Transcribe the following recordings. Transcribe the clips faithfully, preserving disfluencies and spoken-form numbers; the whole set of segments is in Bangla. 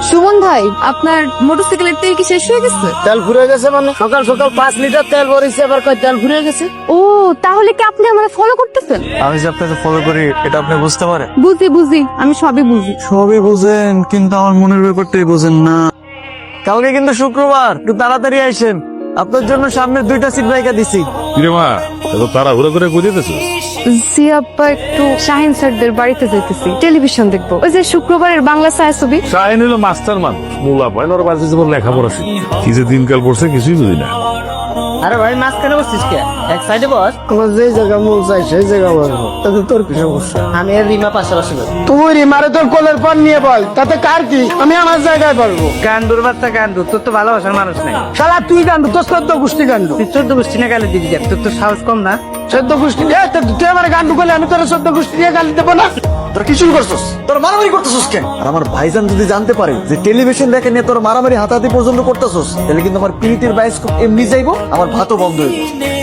সুমন ভাই, আপনার মোটরসাইকেলের তেল কি শেষ হয়ে গেছে? তেল ফুরে গেছে মানে সকাল সকাল পাঁচ লিটার তেল ভরেছে, আবার কয় তেল ফুরে গেছে। ও, তাহলে কি আপনি আমাকে ফলো করতেছেন? আমি যে আপনাকে ফলো করি এটা আপনি বুঝতে পারেন? বুঝি বুঝি, আমি সবই বুঝি। সবই বুঝেন, কিন্তু আমার মনের ব্যাপারটাই বুঝেন না। কালকে কিন্তু শুক্রবার, একটু তাড়াতাড়ি আইসেন। আপনার জন্য সামনে দুইটা সিট বাইকা দিছি। কিরে মা, এত তাড়াহুড়ো করে বুঝিতেছ? জি আব্বা, একটু শাহিন স্যারদের বাড়িতে যাইতেছি, টেলিভিশন দেখবো। ওই যে শুক্রবারের বাংলা ছায়াছবি। শাহিন হলো মাস্টার মানুষ, মূলা পয়েন ওর বাড়িতে যেমন লেখাপড়া শিখি। কি যে দিনকাল পড়ছে কিছুই বুঝি না। আরে ভাই, মাঝখানে বসছিস কে? এক সাইডে বস। তোমার যে জায়গা মন চাই সেই জায়গা বসবো, তাতে তোর কি সমস্যা? আমি আর রিমা পাশাপাশি বসবো। তুই রিমারে তোর কোলের পর নিয়ে বল, তাতে কার কি? আমি আমার জায়গায় বলবো। গান্ডুর বাচ্চা গান্ডু, তোর তো ভালোবাসার মানুষ নাই। শালা তুই গান্ডু, তোর চোদ্দ গোষ্ঠী গান্ডু। তুই চোদ্দ গোষ্ঠী না গালি দিবি, দেখ তোর তো সাহস কম না। চোদ্দ গোষ্ঠী এ, তা- তুই আমার গান্ডু করলে আমি তোর চোদ্দ গোষ্ঠী দিয়ে গালি দেবো না? তোর কি শুরু করছিস? তোর মারামারি করতেছিস কেন? আর আমার ভাইজান যদি জানতে পারে যে টেলিভিশন দেখে নিয়ে তোর মারামারি হাতাহাতি পর্যন্ত করতেছিস, তাহলে কিন্তু আমার পিরিতের বায়োস্কোপ এমনি যাইবো, আমার ভাতও বন্ধ হইব।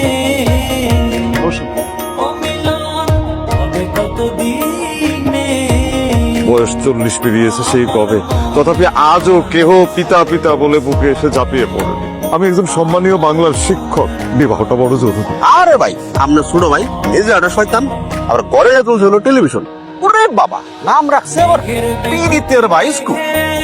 বয়স চল্লিশ পেরিয়েছে সেই কবে, তথাপি আজও কেহ পিতা পিতা বলে বুকে এসে ঝাঁপিয়ে পড়েনি। আমি একজন সম্মানীয় বাংলার শিক্ষক, বিবাহটা বড় জরুরি। আরে ভাই, আমরা ছোট ভাই, এই যে একটা শয়তান আবার ঘরে তুলছে হলো টেলিভিশন। ওরে বাবা, নাম রাখছে আবার পীড়িতের বায়োস্কোপ।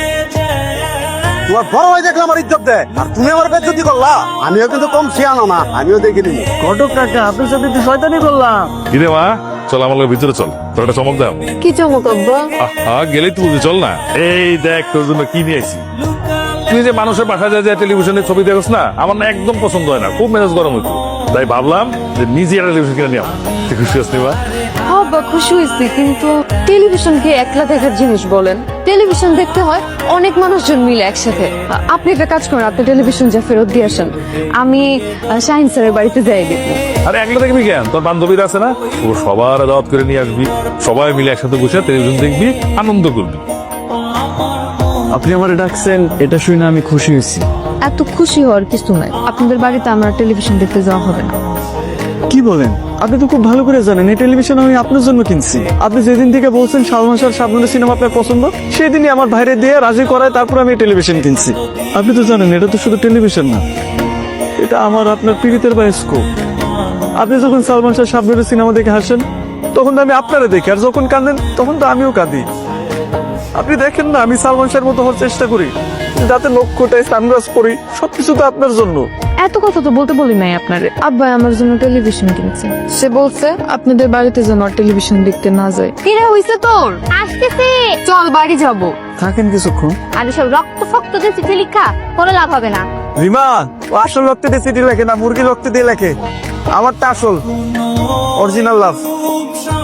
তোমার বড় ভাই দেখলে আমার ইজ্জত দেয়, আর তুমি আমার বেজ্জতি করলা। আমিও কিন্তু কম শিয়ানো না, আমিও দেখে নিবি। ঘটক কাকা, আপনার সাথে তো শয়তানি করলাম। কিরে মা, চল আমার লগে ভিতরে চল, তোর একটা চমক দাও। কি চমক আব্বা? আহা, গেলেই তো বুঝি, চল না। এই দেখ তোর জন্য কি নিয়ে আইছি। তুই যে মানুষের বাসা যায় যে টেলিভিশনের ছবি দেখছ না, আমার না একদম পছন্দ হয় না, খুব মেজাজ গরম হইতো। তাই ভাবলাম যে নিজে একটা টেলিভিশন কিনে নিয়ে আসবো। তুই খুশি আসনি বা? আব্বা খুশি হয়েছি, কিন্তু টেলিভিশন কি একলা দেখার জিনিস বলেন? টেলিভিশন দেখতে হয় অনেক মানুষজন মিলে একসাথে। আ- আপনি একটা কাজ করেন, আপনি টেলিভিশন যা ফেরত দিয়ে আসেন, আমি আ, শাহিন স্যারের বাড়িতে যাই দেখবো। আরে একলা দেখবি কেন, তোর বান্ধবীরা আছে না, ও সবার দাওয়াত করে নিয়ে আসবি, সবাই মিলে একসাথে বসে টেলিভিশন দেখবি, আনন্দ করবি। আপনি আমার ডাকছেন, এটা শুনে আমি খুশি হয়েছি। এত খুশি হওয়ার কিছু নাই, আপনাদের বাড়িতে আমার টেলিভিশন দেখতে যাওয়া হবে না। কি বলেন? আপনি তো খুব ভালো করে জানেন এই টেলিভিশন আমি আপনার জন্য কিনছি। আপনি যেদিন থেকে বলছেন সালমান শাহ শাবনুরের সিনেমা আপনার পছন্দ, সেই দিনই আমার ভাইরে দিয়ে রাজি করায় তারপর আমি টেলিভিশন কিনছি। আপনি তো জানেন এটা তো শুধু টেলিভিশন না, এটা আমার আপনার পীড়িতের বায়োস্কোপ। আপনি যখন সালমান শাহ শাবনুরের সিনেমা দেখে হাসেন, তখন তো আমি আপনারে দেখি, আর যখন কাঁদেন তখন তো আমিও কাঁদি। আপনি দেখেন না, আমি সালমান শাহের মতো হওয়ার চেষ্টা করি, যাতে নক্ষটায় সানগ্লাস পরি, সবকিছু তো আপনার জন্য। এত কথা তো বলতে বলি নাই আপনারে। আব্বা আমার জন্য টেলিভিশন কিনছে, সে বলছে আপনাদের বাড়িতে যেন আর টেলিভিশন দেখতে না যায়। কিরে হইছে তোর? আসতেছে। চল বাড়ি যাবো। থাকেন কিছুক্ষণ। আর সব রক্ত ফক্ত দিয়ে চিঠি লিখা কোনো লাভ হবে না। রিমা, ও আসল রক্তে দিয়ে চিঠি লেখে না, মুরগি রক্তে দিয়ে লেখে। আমারটা আসল, অরিজিনাল লাভ।